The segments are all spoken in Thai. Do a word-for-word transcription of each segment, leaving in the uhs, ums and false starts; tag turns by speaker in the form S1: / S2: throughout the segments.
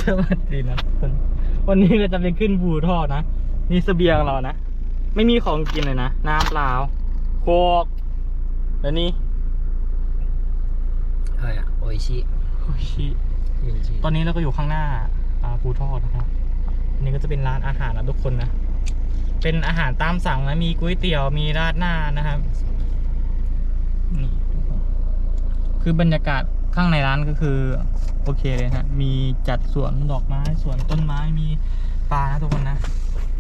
S1: สวัสดีนะคนวันนี้เราจะไปขึ้นภูทอกนะนี่เสบียงเรานะไม่มีของกินเลยนะน้ำเปล่าโคกแล้วนี่
S2: อะไรอะโออิชิ
S1: โอชิตอนนี้เราก็อยู่ข้างหน้าภูทอกนะครับอันนี้ก็จะเป็นร้านอาหารนะทุกคนนะเป็นอาหารตามสั่งนะมีก๋วยเตี๋ยวมีราดหน้านะครับนี่คือบรรยากาศข้างในร้านก็คือโอเคเลยฮะมีจัดสวนดอกไม้สวนต้นไม้มีปลานะทุกคนนะ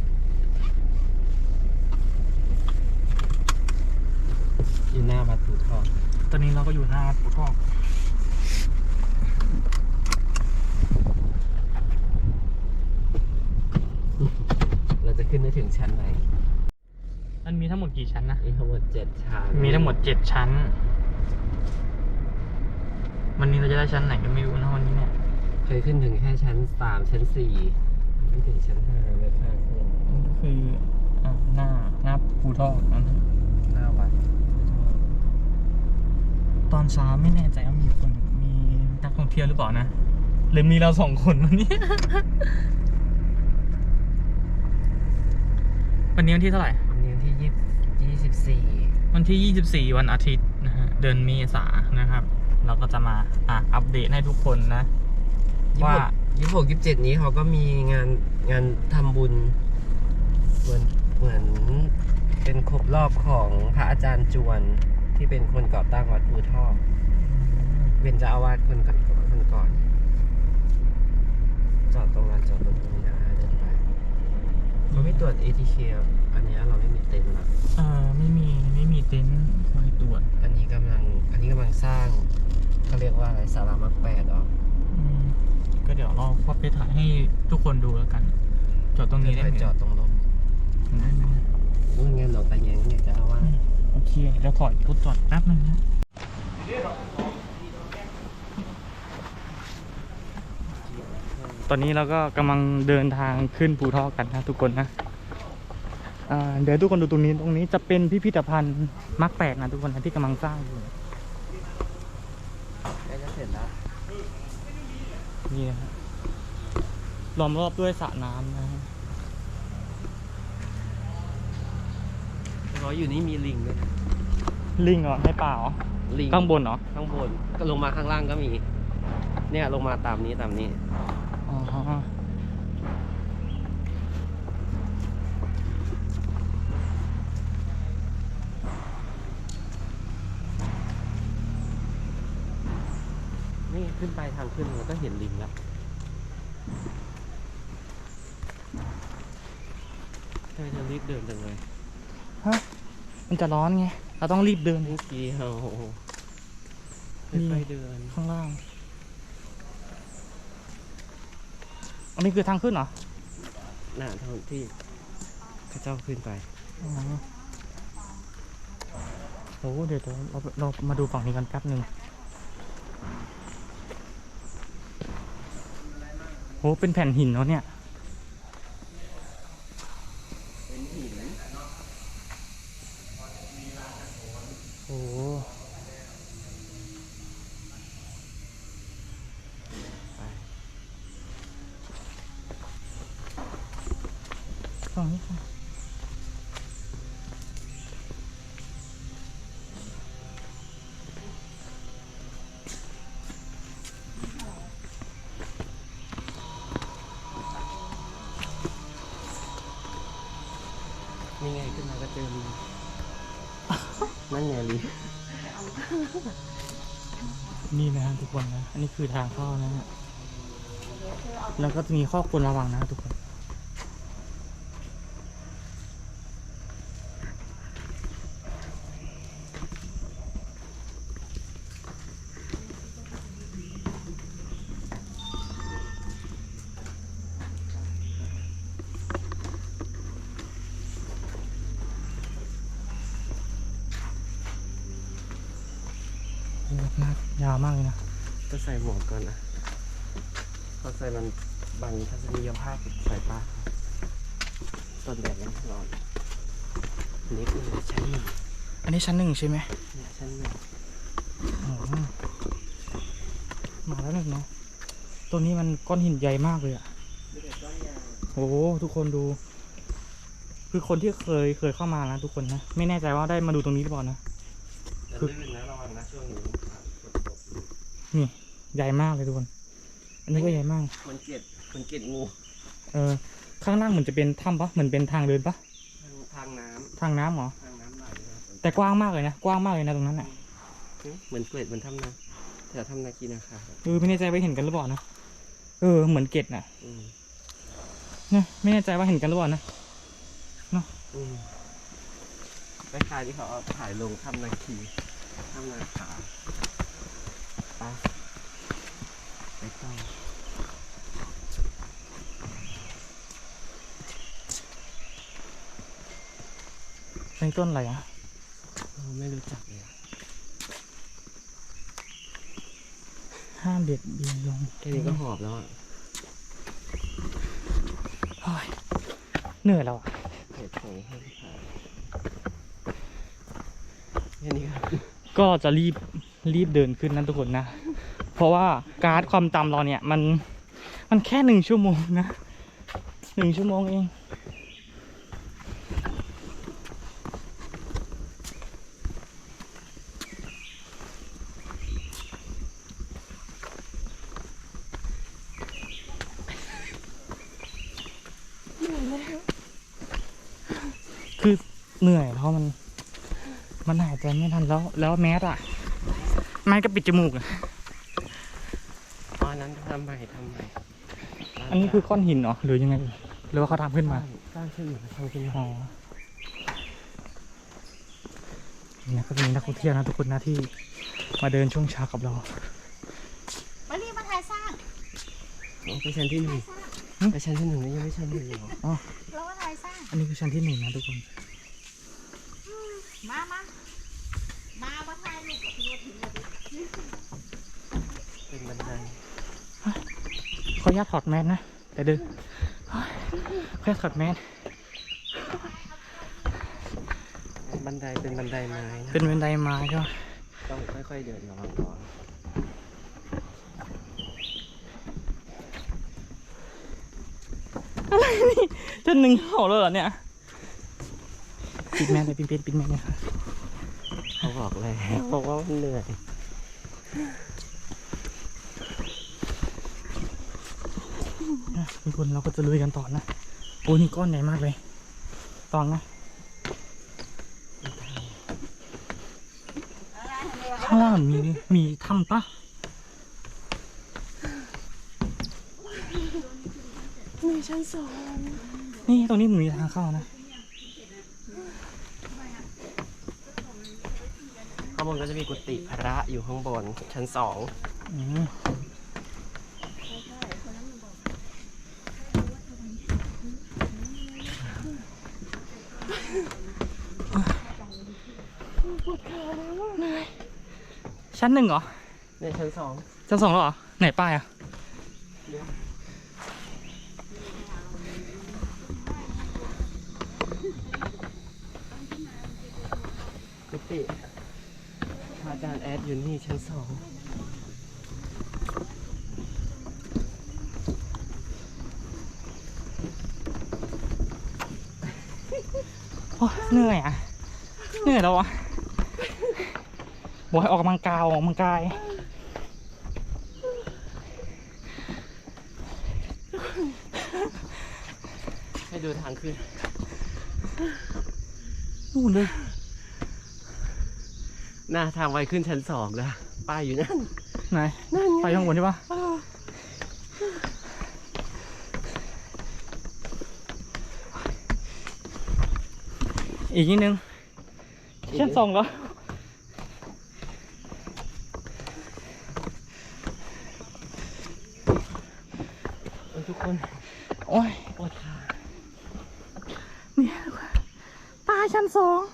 S2: อยู่หน้าวัดภูทอก
S1: ตอนนี้เราก็อยู่หน้าวัดภูทอก
S2: เราจะขึ้นได้ถึงชั้นไหน
S1: มันมีทั้งหมดกี่ชั้นนะ
S2: มีทั้งหมดเจ็ดชั้น
S1: มีทั้งหมดเจ็ดชั้นวันนี้เราจะได้ชั้นไหนก็ไม่รู้นะวันนี้เนี่ย
S2: เคยขึ้นถึงแค่ชั้นสามชั้นสี่ไม่ถึงชั้นห้าเลยค่ะขึ้น
S1: นี่ก็คืออ่าหน้าหน้าภูทอกนะ
S2: หน้าวัด
S1: ตอนเช้าไม่แน่ใจว่ามีคนมีนักท่องเที่ยวหรือเปล่านะหรือมีเราสองคนวันนี้ วันนี้วันที่เท่าไหร่
S2: วันนี้วันที่ยี่ยี่สิบสี่
S1: วันที่ยี่สิบสี่วันอาทิตย์นะฮะเดือนเมษายนนะครับเราก็จะมาอ่ะอัปเดตให้ทุกคนนะว่า
S2: ยี่สิบหกยี่สิบเจ็ดนี้เขาก็มีงานงานทำบุญเหมือนเหมือนเป็นครบรอบของพระอาจารย์จวนที่เป็นคนก่อตั้งวัดภูทอกเป็นเจ้าอาวาสคนก่อนคนก่อนจอดตรงนั้นจอดรถตรงนี้ได้เดินไปเขาไม่ตรวจ เอ ที เค อันนี้เราไม่มีเต็นท์ละ
S1: เออไม่มีไม่มีเต็นท์คอยตรวจ
S2: อันนี้กำลังอันนี้กำลังสร้างเขาเรียกว่าอะไรศาลามักแปดเหรอ
S1: ก็เดี๋ยวเราพอไปถ่ายให้ทุกคนดูแล้วกันจอดตรงนี้ได้ไหม
S2: จอดตรงลมนู่นไงหลวงตาแยงเนี่ยจะเอาว่า
S1: โอเคเดี๋ยวถอยรถจอดแป๊บนึงนะตอนนี้เราก็กำลังเดินทางขึ้นภูทอกกันนะทุกคนนะเดี๋ยวทุกคนดูตรงนี้ตรงนี้จะเป็นพิพิธภัณฑ์มักแปลกนะทุกคนนะที่กำลังสร้างอยู่
S2: ใกล้จะเสร็จแล้ว
S1: นี่นะฮะล้อมรอบด้วยสระน้ำนะฮะ
S2: เราอยู่นี่มีลิงด้วย
S1: ลิงเหรอให้เปล่าลิงข้างบนเหรอ
S2: ข้างบนก็ลงมาข้างล่างก็มีเนี่ยลงมาตามนี้ตามนี้
S1: อ๋อ
S2: นี่ขึ้นไปทางขึ้นเราก็เห็นลิงแล้วใช่จะรีบเดินจังเลย
S1: ฮะมันจะร้อนไงเราต้องรีบเดิน
S2: นี่กี่เฮาไปเดิน
S1: ข้างล่างอันนี้คือทางขึ้นเหรอ
S2: น่าทางที่ข้าเจ้าขึ้นไป
S1: อ๋อโอ้เดี๋ยวเราเรามาดูฝั่งนี้กันแป๊บหนึ่งโหเป็นแผ่นหินเนาะเนี่ย
S2: เป็นหิน
S1: โอ้ฝั่งนี้ค่ะ
S2: นี่ไงขึ้นมาก็เจอลิงนั่นไงลิง
S1: นี่นะฮะทุกคนนะอันนี้คือทางเข้านะฮะแล้วก็จะมีข้อควรระวังนะทุกคนยาวมากเลยนะ
S2: ก็ใส่หมวกก่อนนะเขาใส่มันบังทัศนียภาพสายตาต้นแดดยังร้อนอันนี้คือชั้นหนึ่ง
S1: อันนี้ชั้นหนึ่งใช่ไหม
S2: ชั้นหนึ่ง
S1: มาแล้วหนึ่งเนาะตัวนี้มันก้อนหินใหญ่มากเลยอะ
S2: มีแต่ก้อนยาง
S1: โอ้โหทุกคนดู คือคนที่เคยเคยเข้ามานะทุกคนนะไม่แน่ใจว่าได้มาดูตรงนี้หรือเปล่านะ
S2: แต่ลื่นนะระวังนะช่วงนี้ฝนตก
S1: นี่ใหญ่มากเลยทุกคน อันนี้ก็ใหญ่มาก
S2: มันเกล็ดมันเกล็ดงู
S1: เออข้างล่างเหมือนจะเป็นถ้ำปะเหมือนเป็นทางเดินปะ
S2: ทางทางน้
S1: ทางน้ำเหรอ
S2: ำทางน้ำไหลนะ
S1: แต่กว้างมากเลยนะกว้างมากเลยนะตรงนั้นอ่ะ
S2: เหมือนเกล็ดเหมือนถ้ำนาแถวถ้ำนาคีนาคา
S1: เออไม่แน่ใจว่าเห็นกันหรือเปล่านะเออเหมือนเกล็ดน่ะ
S2: อืม
S1: นะไม่แน่ใจว่าเห็นกันหรือเปล่านะ
S2: อืมคล้ายๆที่เขาเอาถ่ายลงถ้ำนาคีถ้ำนาคาไปไปต่อ
S1: ในต้นอะไรอ่ะ
S2: เราไม่รู้จักเลยอะ
S1: ห้ามเบียดเบียนลง
S2: แค่นี้ก็หอบแล้วอ่ะ
S1: โอ้ยเหนื่อยแล้วอ่ะ
S2: เหตุผลให้ผ่านแค่นี้ครับ
S1: ก็จะรีบรีบเดินขึ้นนะทุกคนนะ เพราะว่าการ์ดความจำเราเนี่ยมันมันแค่หนึ่งชั่วโมงนะหนึ่งชั่วโมงเองคือเหนื่อยเพราะมันมันหายใจไม่ทันแล้วแล้วแมสอะแมสก็ปิดจมูกอะ
S2: อ๋ออันนั้นทำใหม่ทำใหม่
S1: อันนี้คือก้อนหินเหรอหรือยังไงหรือว่าเขาทำขึ้นมา
S2: สร้างขึ้นมาทำขึ้นมา
S1: อ๋อเนี่ยก็จะมีนักท่องเที่ยวนะทุกคนนะที่มาเดินช่วงเช้ากับเรา
S3: มารีบมาถ่ายสร้าง
S2: อ๋อไปชั้นที่หนึ่งไปชั้นที่หนึ่งนี่ยังไม่ชั้นที่หนึ่งเหรอ
S1: อ๋อ
S3: เรามาถ่ายสร้าง
S1: อันนี้คือชั้นที่หนึ่งนะทุกคน
S3: มามามามาถ่ายรูปกับพี่รถถึงเลย
S2: เป็นบันได
S1: ขออนุญาตถอดแมสนะแต่เดินขออนุญาตถอดแมส
S2: บันไดเป็นบันไดไม้นะ
S1: เป็นบันไดไม้ใช่ไหม
S2: ต้องค่อยๆเดินระวังก่อน
S1: อะไรนี่ชั้นหนึ่งเห่าแล้วเหรอเนี่ยปิดแมสเลยปิดปิดปิดแมสเลยค่ะ
S2: เขาบอกเลยบอกว่ามันเหนื่อย
S1: ทุกคนเราก็จะลุยกันต่อนะโอ้นี่ก้อนใหญ่มากเลยตองนะข้างล่างมีมีถ้ำปะ
S2: มีชั้นสอง
S1: นี่ตรงนี้เหมือนมีทางเข้านะ
S2: ข้างบนก็จะมีกุฏิพระอยู่ข้างบนชั้นสอง
S1: อืมชั้นหนึ่งเหรอ
S2: เนี่ยชั้นสอง
S1: ชั้นสองแล้วเหรอ ไหนป้ายอ่ะ
S2: กุฏิพระอาจารย์แอดอยู่นี่ชั้นสอง
S1: โอ้ยเหนื่อยอ่ะ เหนื่อยแล้วอ่ะบอกให้ออกกำลังกายออกกำลังกาย
S2: ให้ดูทางขึ้น
S1: นู่นเลย
S2: หน้าทางไวขึ้นชั้นสองนะป้ายอยู่นั่น
S1: ไหน ไปข้างบนใช่ปะอีกนิดนึงชั้นสองแล้ว
S2: ทุกคน
S1: โอ้ย
S2: ปวดขา
S1: เนี่ยตายชั้นสอง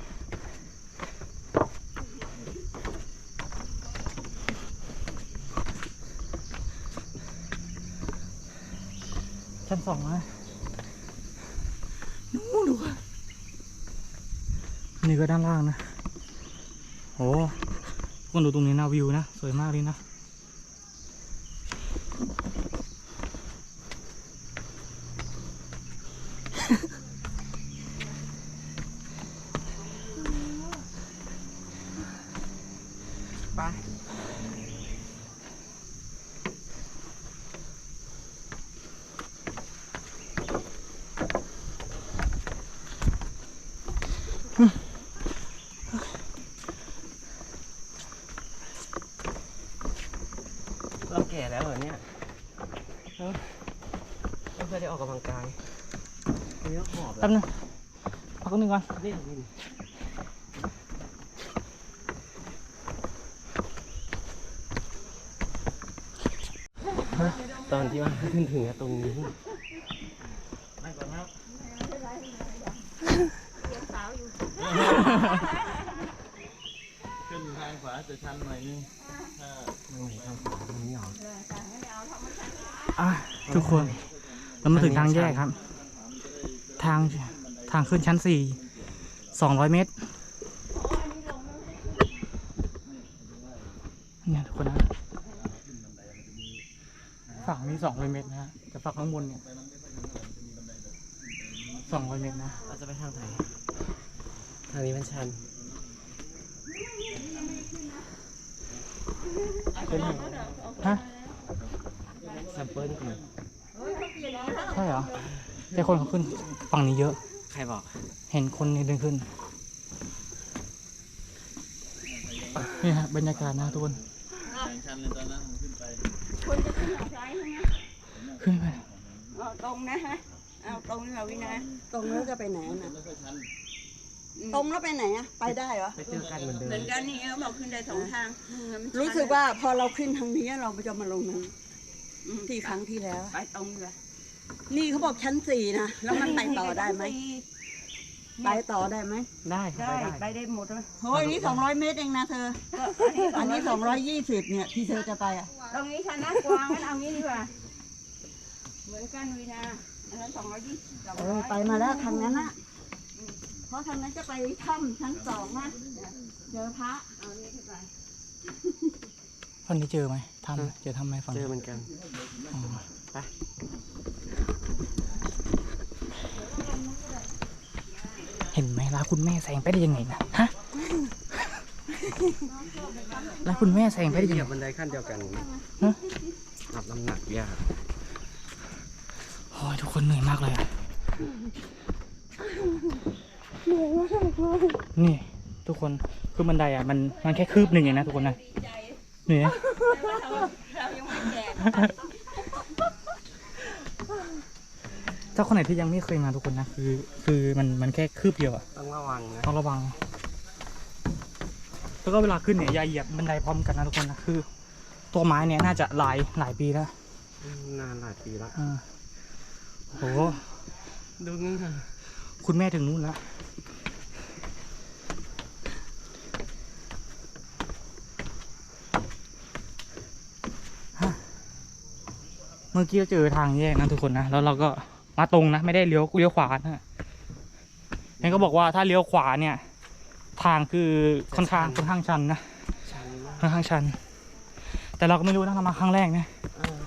S1: ชั้นสองนะนู่นดูนี่ก็ด้านล่างนะโอ้ทุกคนดูตรงนี้นะวิวนะสวยมากเลยนะ
S2: เราแก่แล้วเหรอเนี่ยเออไม่เคยได้ออกกำลังกายอันนี้ก็หอบ
S1: แป๊บนึงพักนึงก่อน
S2: นี่นี่ตอนที่ว่าขึ้นถึงตรงนี้
S1: นั่งก่อนครับ
S4: ขึ้นทางขวาจะชันหน่อยนึงถ้า
S2: ไม่ไหวทางขวาตรงนี้หรอ
S1: อ่ะทุกคนเรามาถึงทางแยกครับ ทางทางขึ้นชั้นสี่สองร้อยเมตรเนี่ยทุกคนนะฝั่งนี้สองร้อยเมตรนะฮะแต่ฝั่งข้างบนเนี่ยสองร้อยเมตรนะ
S2: เราจะไปทางไหนทางนี้มันชัน
S1: เป็นไงฮะ
S2: แซมเปิลก่อน
S1: ใช่เหรอแต่คนเขาขึ้นฝั่งนี้เยอะ
S2: ใครบอก
S1: เห็นคนเดินขึ้นนี่ฮะบรรยากาศนะทุกคน
S4: แข่งชันเลยตอนนั้นผมขึ้นไป
S3: คนจะขึ้นเขาซ้ายใช่ไหม
S1: ขึ้นไป
S3: เอาตรงนะฮะเอาตรงนี่ค่ะวินา
S5: ตรงแล้วจะไปไหนน่ะ
S4: ไม่ค่อยชัน
S5: ตรงแล้วไปไหนอ่ะ ไปได้เหรอ
S2: ไปเจอกันเหมือนเดิ
S3: เหมือ
S2: ม
S3: นกันนี่เขาบอกขึ้นได้สองทางมันชัน
S5: รู้สึกว่าพอเราขึ้นทางนี้เราจะมาลงนั้นที่ครั้งที่แล้ว
S3: ไปตรงเลย
S5: นี่เขาบอกชั้นสี่นะ แล้วมันไปต่อได้ไหม ไปต่อได้ไหม
S1: ได้ครับ
S3: ได้
S1: ไปได้
S3: ไปได้หมดเลย
S5: โอ้ยนี่สองร้อยเมตรเองนะเธอ อันนี้สองร้อยยี่สิบเนี่ยที่เธอจะไปอ่ะ
S3: ตรงนี้ชนะกวางงั้นเอางี้ดีกว่าเหมือนกันวินาอันนั้นสองร้อยยี่สิบสอง
S5: เอ
S3: ร้
S5: อ
S3: อย
S5: ไปมาแล้วทางนั้นนะเพราะทางนั้นจะไปถ้ำชั้นสองนะเจอพระ
S3: เอานี้ขึ้นไป
S1: วันนี้เจอไหมทำเจอทำไหมฝั่ง
S2: เจ
S1: นี้
S2: อเหมือนกัน
S1: อ๋อ
S2: ไป
S1: เห็นไหมร้านคุณแม่แซงไปได้ยังไงนะฮะร้านคุณแม่แซงไปได้
S2: เห
S1: ยัง
S2: ยี
S1: ไง
S2: ยบบันไดขั้นเดียวกัน
S1: ฮะ
S2: รับน้ำหนักยาก
S1: โอ้ยทุกคนเหนื่อยมากเลยอะนี่ทุกคนคือบันไดอ่ะมันมันแค่คืบหนึ่งเองนะทุกคนนะเหนื่อย
S3: เรายังไม่แก่
S1: ถ้าคนไหนที่ยังไม่เคยมาทุกคนนะคือคือมันมันแค่คืบเดียวอะ
S2: ต้องระวังนะ
S1: ต้องระวัง แล้วก็เวลาขึ้นเนี่ยอย่าเหยียบบันไดพร้อมกันนะทุกคนนะคือ ตัวไม้เนี่ยน่าจะหลายหลายปีแล้ว
S2: นานหลายปีแล้ว
S1: อ่าโห
S2: ดูนี่ค่ะ
S1: คุณแม่ถึงนู่นแล้วฮะเมื่อกี้เราเจอทางแยกนะทุกคนนะแล้วเราก็มาตรงนะไม่ได้เลี้ยวเลี้ยวขวานะเห็นก็บอกว่าถ้าเลี้ยวขวาเนี่ย ทางคือค่อนข้างค่อนข้างชันนะ
S2: ชันมาก
S1: ค่อนข้างชัน แต่เราก็ไม่รู้นะเรามาครั้งแรกนะ
S2: เออ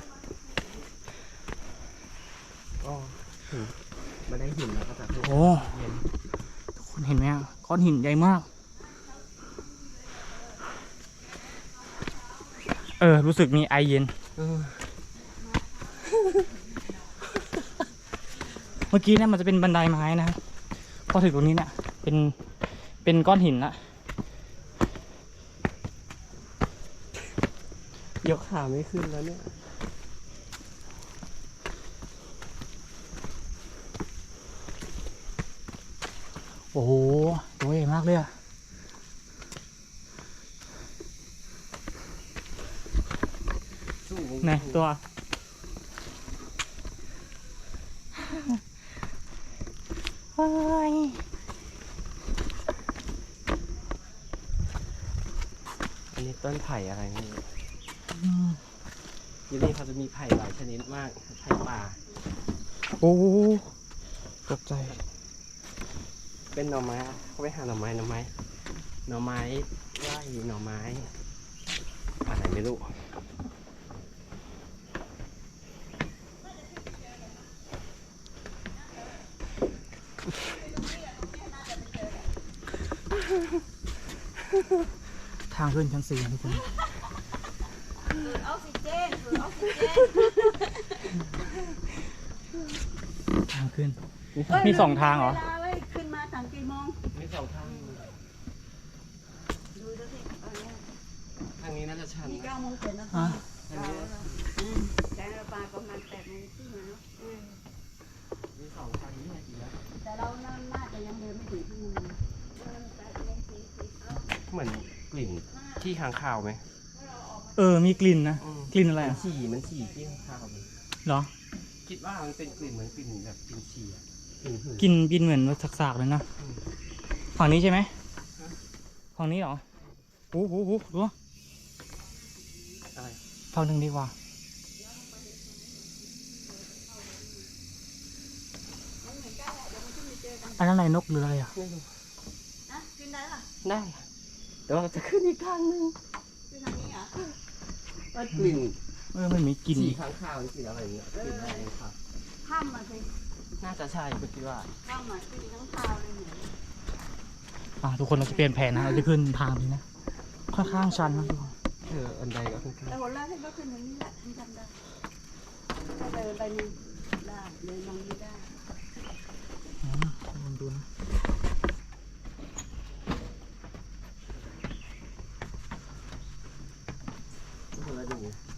S2: ก็หินมาได้หินแล้วก็จะ
S1: โอ้ทุกคนเห็นไหมอ่ะก้อนหินใหญ่มาก เออ รู้สึกมีไอเย็น
S2: เออ
S1: เมื่อกี้เนี่ยมันจะเป็นบันไดไม้นะพอถึงตรงนี้เนี่ยเป็นเป็นก้อนหินละ
S2: ยกขาไม่ขึ้นแล้วเนี่ย
S1: โอ้โหตัวใหญ่มากเลยอะไหนตัว โอ้ย
S2: อันนี้ต้นไผ่อะไรนี่
S1: อืม
S2: ที่นี่เขาจะมีไผ่หลายชนิดมาก ไผ่ป่า
S1: โอ้ตกใจ
S2: เป็นหน่อไม้อะเขาไปหาหน่อไม้หน่อไม้ หน่อไม้ไร่หน่อไม้ อะไรไม่รู้
S1: ทางขึ้นชั้นสี่ทุกคนขึ้น มีสองทางเหรอ
S5: เวลาไว้ขึ้นมาตั้งกี่โมง
S2: มีสองทาง
S5: ดูดูสิเอาเนี่ย
S2: ทางนี้น่าจะชัน
S5: นี่
S2: นะ
S5: เก้าโมงเจ็ดนาที
S1: ฮะ
S2: ทางนี้
S5: อืม
S3: แต่เราปลาประมาณแปดโมงครึ่งแล้ว
S2: มีสองทางนี้ไงดีแล้ว
S5: แต่เราน่าจะยังเดินไม่ถึงที่นี่แปดโมงสี่สิบเอา
S2: เหมือนกลิ่นที่ค้างคาวไหม
S1: เออ มีกลิ่นนะ
S2: อืม
S1: กลิ่นอะไร
S2: มัน
S1: อ่ะ
S2: ฉี่มันฉี่ที่ค้างคาวเลย
S1: เหรอ
S2: คิดว่ามันเป็นกลิ่นเหมือนกลิ่นแบบกลิ่นฉี่อะกลิ่นหืน
S1: กลิ่นบินเหมือนสากๆเลยนะ
S2: อืม
S1: ฝั่งนี้ใช่ไหม
S2: ฮะ
S1: ฝั่งนี้เหรอโอ้โหโอ้โหดูวะ
S2: อะไร
S1: ฝั่งหนึ่งดีกว่า อันนั้นอะไรนกหรืออะไรอ่ะ
S2: ไม่รู้
S5: นะขึ้นได้ล่ะ
S2: ได้แต่ว่าจะขึ้นอีกทางหนึง
S5: ขึ้นทางนี้เหรอ
S2: ว่ากลิ่น
S1: เออมันมีกลิ่น
S2: ฉี่ค้างคาวกลิ่นอะไรอย่างเงี้ยกลิ่นอะไรครับ
S5: ข้ามมาสิ
S2: น่าจะใช่ก็คิดว่า
S5: ข้ามมาขึ้นทั้งเท้าเลยเนี่ย
S1: อ่ะทุกคนเราจะเปลี่ยนแผนนะเราจะขึ้นทางนี้นะ ค่อนข้างชันนะทุกคน
S2: เอออันใดก็ขึ้น
S5: แต่วันแรกที่ก็ขึ้นตรงนี้แหละฉันจำได้ถ้าเดินไปนี่ได้เดินตรงนี้ได้
S1: อืมลองดูนะ
S2: ทุกคนแล้วดู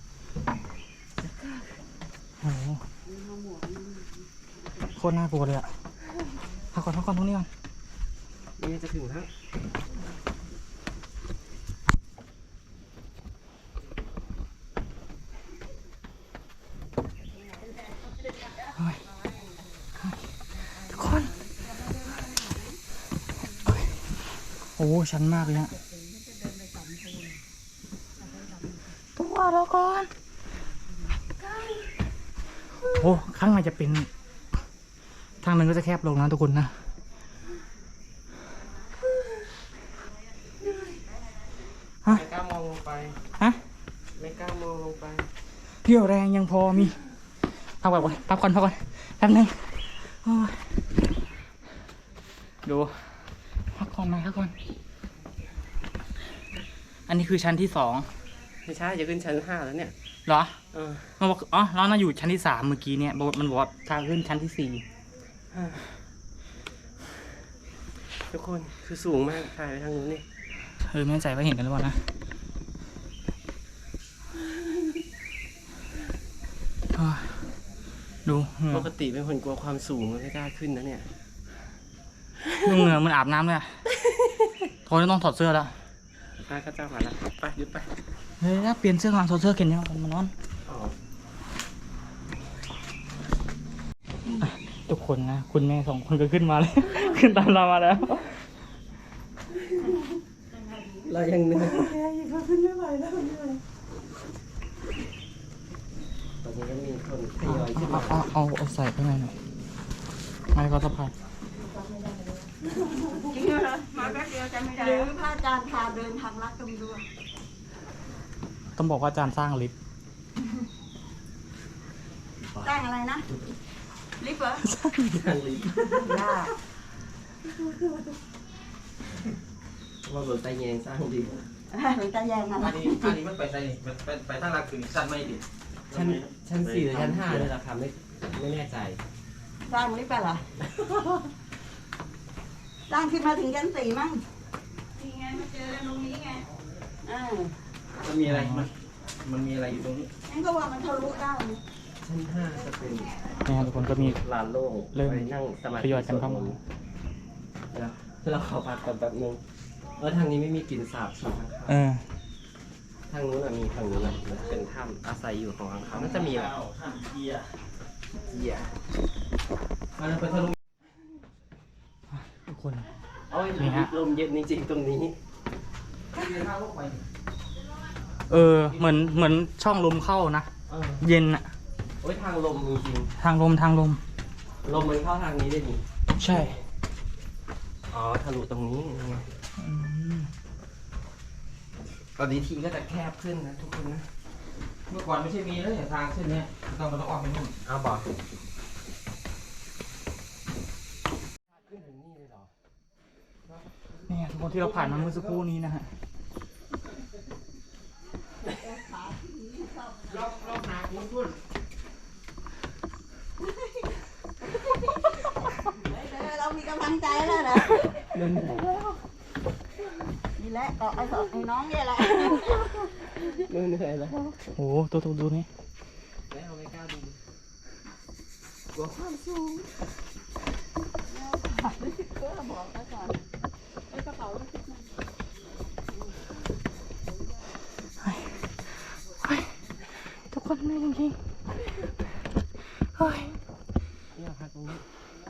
S1: โอ้โห
S5: เดินมาหมวกนี่
S1: โคตรน่ากลัวเลยอ่ะพักก่อนพักก่อนตรงนี้ก่อน
S2: นี่จะถึงแล้ว
S1: ทุกคนโอ้โหชันมากเลยฮะตัวเราก่อนโอ้ข้างในจะเป็น ทางหนึ่งก็จะแคบลงนะทุกคนนะ ฮะ
S2: ไม่กล้ามองลงไป
S1: ฮะ
S2: ไม่กล้ามองลงไป
S1: เรี่ยวแรงยังพอมีพักก่อนพักก่อนพักก่อนแป๊บนึงโอ้ยดูพักก่อนมาพักก่อน อันนี้คือชั้นที่สอง
S2: ไม่ใช่จะขึ้นชั้นห้าแล้วเนี่ย
S1: เหรอ
S2: เออ
S1: มันบอกอ๋อเราน่าอยู่ชั้นที่สามเมื่อกี้เนี่ยบอกมันบอกว่าทางขึ้นชั้นที่สี่
S2: ทุกคนคือสูงมากถ่ายไปทางนู้นนี่
S1: เออไม่แน่ใจว่าเห็นกันหรือเปล่านะอ่าดูเหงื่
S2: ป
S1: อก
S2: ติเป็นคนกลัวความสูงไม่กล้าขึ้นนะเนี่ย
S1: ดูเหงื่อมันอาบน้ำเลยอะโทนต้องถอดเสื้อแล้ว
S2: ป้าก็จ้ามาแล้วไปหยุดไป
S1: เฮ้ยเปลี่ยนเสื้อก่อนถอดเสื้อเข็นเนี่ยมันร้อน
S2: อ๋อ
S1: ทุกคนนะคุณแม่สองคนก็ขึ้นมาแล้ว ขึ้นตามเรามาแล้ว
S2: เรายังเหนื่อยตอนนี้ก็มีคนทยอยขึ้น
S1: เอา
S2: มา
S1: เอาเอาเอาใส่ข้างในหน่อยไม่ก็สะพาย
S3: จริงเหรอมาแป๊บเดียวจำไม่ได้
S5: หรือพระอาจารย์พาเดินทางลัดตรงด้วย
S1: ต้องบอกว่าอาจารย์สร้างลิฟต์
S5: ตั้งอะไรนะ ลิฟต์เหรอ
S2: ทางลิฟต์
S5: ยาก
S2: ว่าบนไตแยงสร้างดี
S5: หลวงตาแยงอะไร
S4: อันนี้อันนี้มันไปใส่ไปไปไปทางหลักถึงชั้นไม่ดิ
S2: ชั้นชั้นสี่หรือชั้นห้าเลยเหรอครับไม่ไม่แน่ใจ
S5: สร้างลิฟต์ไปเหรอสร้างขึ้นมาถึงชั้นสี่มั้ง
S3: นี่ไงมาเจอกันตรงนี้ไง
S5: อ่า
S4: มันมีอะไรมันมันมีอะไรอยู่ตรงนี้
S5: งั้นก็ว่ามันทะลุได้นะ
S2: ชั้นห้าจะเป็น
S1: นี่ครับทุกคนก็มี
S2: ลานโล่ง
S1: เริ่ม
S2: ไปนั่งสมาธิ
S1: ทยอยกันเข้ามา
S2: เดี๋ยวเราขอพักก่อนแป๊บนึงเออทางนี้ไม่มีกลิ่นสาบฉีดข้าง
S1: เออ
S2: ทางนู้นอะมีทางนู้นอะมันเป็นถ้ำอาศัยอยู่ของข้างเขาน่าจะมีแหละ
S4: ข้ามเกียร์
S2: เกียร์
S4: มันไปทะลุ
S1: ทุกคน
S2: โอ้ย
S1: นี่ฮะ
S2: ลมเย็นจริงๆตรงนี้
S1: เออเหมือนเหมือนช่องลมเข้านะ
S2: เออ
S1: เย็นอะ
S2: โอ้ยทางลมจริง
S1: ทางลมทางลม
S2: ๆลมมันเข้าทางนี้ได้ดิ
S1: ใช่
S2: อ๋อทะลุตรงนี้ไง
S1: อืม
S2: ตอนนี้ทีก็จะแคบขึ้นนะทุกคนนะ
S4: เมื่อก่อนไม่ใช่มีแล้วอย่างทางเส้นเนี้ยต้องมาต้องออกไปนู่น
S2: เอาบอกขึ้นถึงนี่เลยเหรอ
S1: นี่ทุกคนที่เราผ่านมาเมื่อสักครู่นี้นะฮะ
S4: รอบรอบนาคุณคุณ
S5: นี่แหละต่อไอ้สองไอ้น้องเนี่ยแหละ
S2: เหนื่อยแล้ว
S1: โอ้โหตัวตัวดูนี่
S2: ไม่เอาไม่กล้าดู
S5: กลัวความสูงก็บอกไว้ก่อนไอ้กระเป๋าลูกศิษย์มัน
S1: ทุกคนเหนื่อยจริงๆเฮ้ย
S2: เนี่ยพักตรงนี้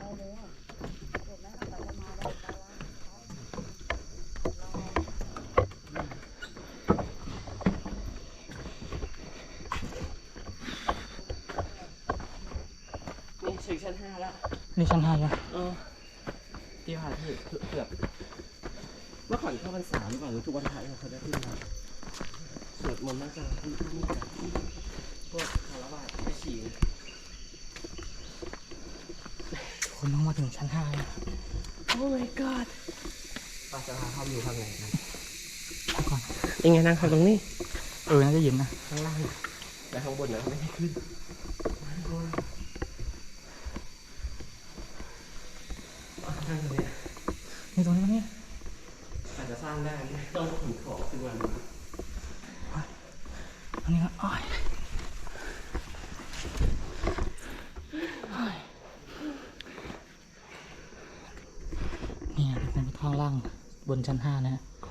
S2: นี่ถึงชั้นห้าแล้ว
S1: นี่ชั้นห้าแล้ว
S2: เออที่ผ่านที่เกือบเมื่อก่อนเข้าพรรษาหรือเปล่าหรือทุกวันพระเราเขาได้ขึ้นมาสวดมนต์นั่งสมาธิที่นี่กันพวกคารวะไปฉี่
S1: ทุกคนต้องมาถึงชั้นห้าแล้ว
S2: โอ้ my god ป้าจะพาเข้าอยู่ข้างในกัน
S1: พักก่อน
S2: ยังไงนั่งข้างตรงนี้
S1: เออน่าจะเย็นนะ
S2: ข้างล่างแต่ข้างบนนะไม่ให้ขึ้นข้างบนข้างตรงนี้
S1: นี่ตรงนี้ตรงนี้
S2: อาจจะสร้างได้ต้องขนของขึ้นมา
S1: ตรงนี้ก็อ้อยนี่นะเป็นข้างล่างบนชั้นห้านะ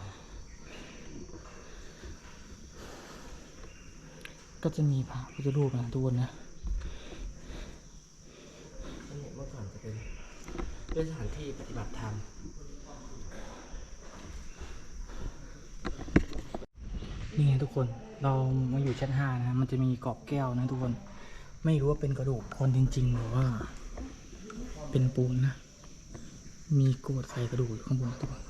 S1: ก็จะมีพระพุทธรูปนะทุกคนนะ
S2: นี่เมื่อก่อนจะเป็นเป็นสถานที่ปฏิบัติธรรม
S1: นี่ไงทุกคนเรามาอยู่ชั้นห้านะมันจะมีกรอบแก้วนะทุกคนไม่รู้ว่าเป็นกระดูกคนจริงๆหรือว่า เป็นปูนนะมีโกรธใส่กระดูกอยู่ข้างบนทุกคน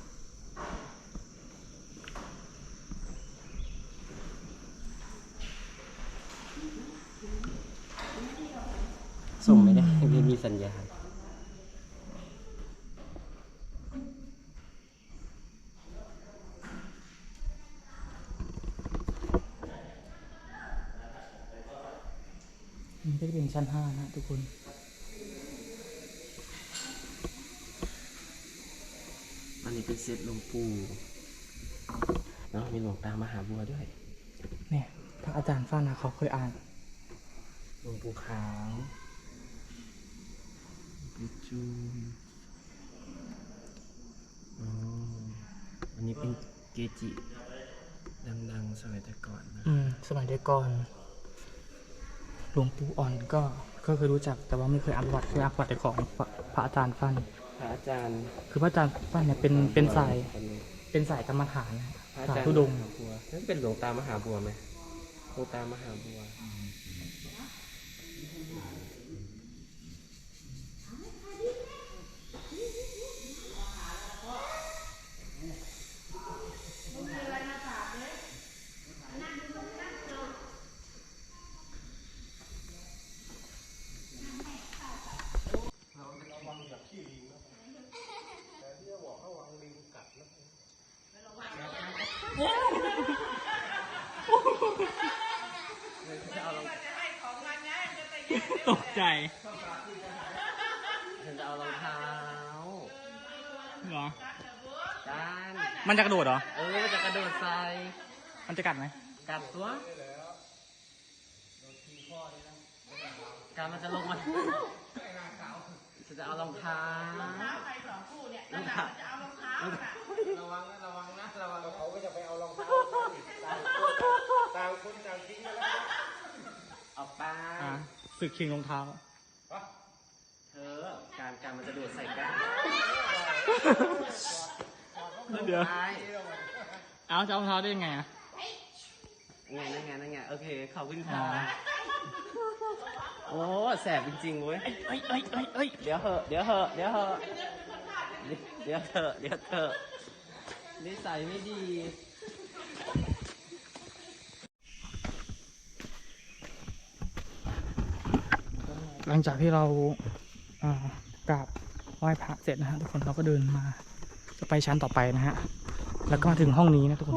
S2: ส่งไม่ได้ไม่มีสัญญาณ
S1: มันก็จะเป็นชั้นห้านะทุกคน
S2: อันนี้เป็นเซตหลวงปู่เนาะมีหลวงตามหาบัวด้วย
S1: เนี่ยพระอาจารย์ฟ้านะเขาเคยอ่าน
S2: หลวงปู่ขาวหลวงปู่จูนอ๋ออันนี้เป็นเกจิดังๆสมัยแต่ก่อนนะ
S1: อืมสมัยเด็กก่อนหลวงปู่อ่อนก็ก็เคยรู้จักแต่ว่าไม่เคยอ่านประวัติเคยอ่านประวัติแต่ของพระพระอาจารย์ฟัน
S2: พระอาจารย์
S1: คือพระอาจารย์ฟันเนี่ยเป็นเป็นสาย
S2: คนนี้
S1: เป็นสายกรรมฐานนะ
S2: พระอา
S1: สาย
S2: จารย์
S1: ทุดงค์
S2: มหาบัวนั่นเป็นหลวงตามหาบัวไหมหลวงตามหาบัว
S1: ตกใจ
S2: ฉันจะเอารองเท้า
S1: เหรอ
S2: ด้าน
S1: มันจะกระโดดเหรอ
S2: เออมันจะกระโดดใส่
S1: มันจะกัดไหม
S2: กัดตัวการมันจะลงมาฉันจะเอารองเท้ารองเท้าใครสองคู่เนี่ยรองเท้าจะเอารองเท้าระวังนะระวังนะระวังเขาก็จะไปเอารองเท้าต่างคนต่างทิ้งกันแล้วเอาไป
S1: อ่ะสึกชิงรองเท้า
S2: เธอการการมันจะโดดใส่กัน
S1: เดี๋ยว
S2: ไป
S1: เอาจะเอารองเท้าได้ยังไงอ่ะ
S2: ไงนั่นไงนั่นไงโอเคขอบคุณ
S1: อ๋
S2: ค่ะ
S1: อ
S2: โอ้แสบจริงๆเว้ย
S1: เอ้ยเอ้ยเอ้ยเอ้ย
S2: เดี๋ยวเหอะเดี๋ยวเหอะเดี๋ยวเหอะเดี๋ยวเถอะเดี๋ยวเถอะนิสัยไม่ดี
S1: หลังจากที่เราอ่ากราบไหว้พระเสร็จนะฮะทุกคนเราก็เดินมาจะไปชั้นต่อไปนะฮะแล้วก็มาถึงห้องนี้นะทุกคน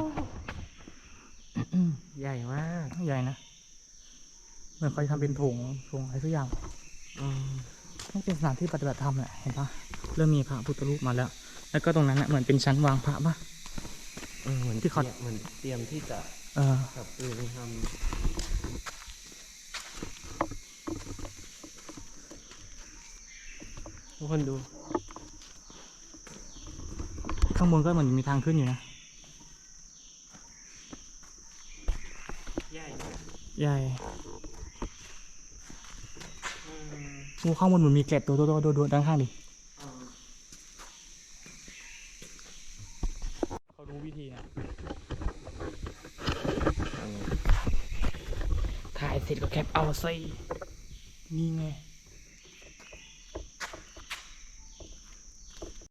S2: ใหญ่มาก
S1: ใหญ่นะเหมือนเขาจะทำเป็นโถงโถงอะไรสักอย่าง
S2: อืม
S1: นี่เป็นสถานที่ปฏิบัติธรรมแหละเห็นปะเริ่มมีพระพุทธรูปมาแล้วแล้วก็ตรงนั้นนะเหมือนเป็นชั้นวางพระปะ
S2: เออเหมือน
S1: ที่เขา
S2: ตรียมเหมือนเตรียมที่จะ
S1: เออ
S2: ปรับปรุงทำทุกคนดู
S1: ข้างบนก็เหมือนมีทางขึ้นอยู่นะ
S2: ใหญ่
S1: ใหญ่งูข้างบนเหมือนมีเกล็ดตัวโตๆโดดๆด้านข้างดิเขารู้วิธีนะถ่ายเสร็จก็แคปเอาสินี่ไง